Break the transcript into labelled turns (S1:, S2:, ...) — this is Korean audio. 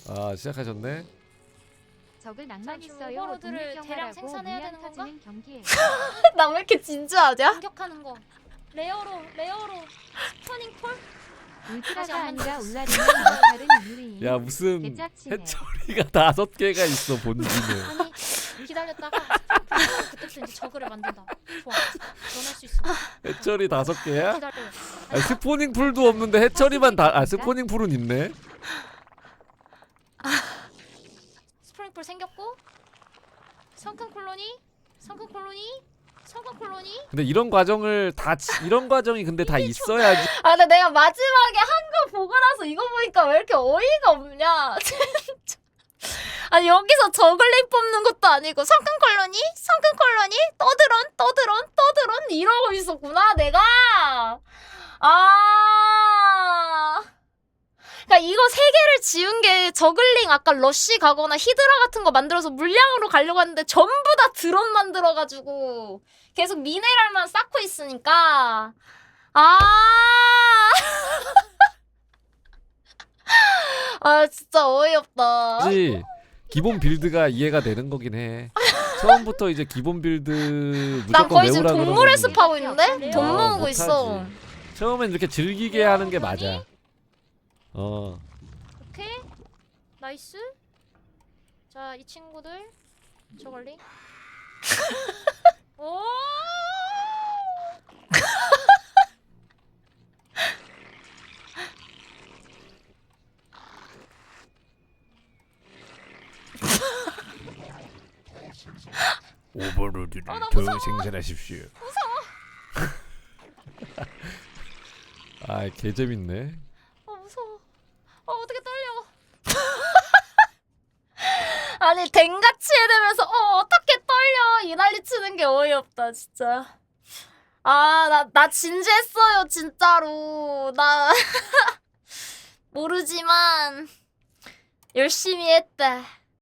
S1: 아 시작하셨네.
S2: 적을 낭만
S3: 자,
S2: 있어요.
S3: 오버로드를 대량 생산해야 되는 건가?
S2: 경기에
S4: 나 왜 이렇게 진지하냐?
S3: 공격하는 거. 레어로 스퍼닝 폴?
S2: 울트라가 아니라 울라리는 역할은 유리인.
S1: 야 무슨
S2: 개짜치네.
S1: 해처리가 5개가 있어 본진에.
S3: 아니 기다렸다가 그때부터 이제 저그를 만든다. 좋아. 넌 할 수 있어.
S1: 해처리 5개야?
S3: 기다려.
S1: 아 스포닝 풀도 없는데 해처리만 아 스포닝 풀은 있네.
S3: 스프링 폴 생겼고 성큰 콜로니.
S1: 근데 이런 과정을 이런 과정이 근데 다 있어야지.
S4: 아 근데 내가 마지막에 한 거 보고 나서 이거 보니까 왜 이렇게 어이가 없냐 진짜. 아니 여기서 저글링 뽑는 것도 아니고 성큰 콜로니 떠드론 이러고 있었구나 내가. 아 그러니까 이거 3개를 지운 게 저글링 아까 러쉬 가거나 히드라 같은 거 만들어서 물량으로 가려고 했는데 전부 다 드론 만들어가지고 계속 미네랄만 쌓고 있으니까 아 아 진짜 어이없다.
S1: 그치? 기본 빌드가 이해가 되는 거긴 해. 처음부터 이제 기본 빌드
S4: 난
S1: 무조건
S4: 거의 지금
S1: 외우라 그런
S4: 동물의
S1: 거는
S4: 숲 하고 있는데? 돈
S3: 어,
S4: 모으고
S1: 못하지.
S4: 있어.
S1: 처음엔 이렇게 즐기게 하는 게 맞아.
S3: 오케이. 나이스. 자, 이 친구들 저걸리. 오!
S1: 오버로드를
S3: 나
S1: 더
S3: 무서워.
S1: 생산하십시오. 아, 개 재밌네.
S3: 무서워. 어떻게 떨려.
S4: 아니 댕같이 해대면서 어떻게 떨려 이 난리 치는 게 어이없다 진짜. 아 나 진지했어요 진짜로. 나 모르지만 열심히 했다.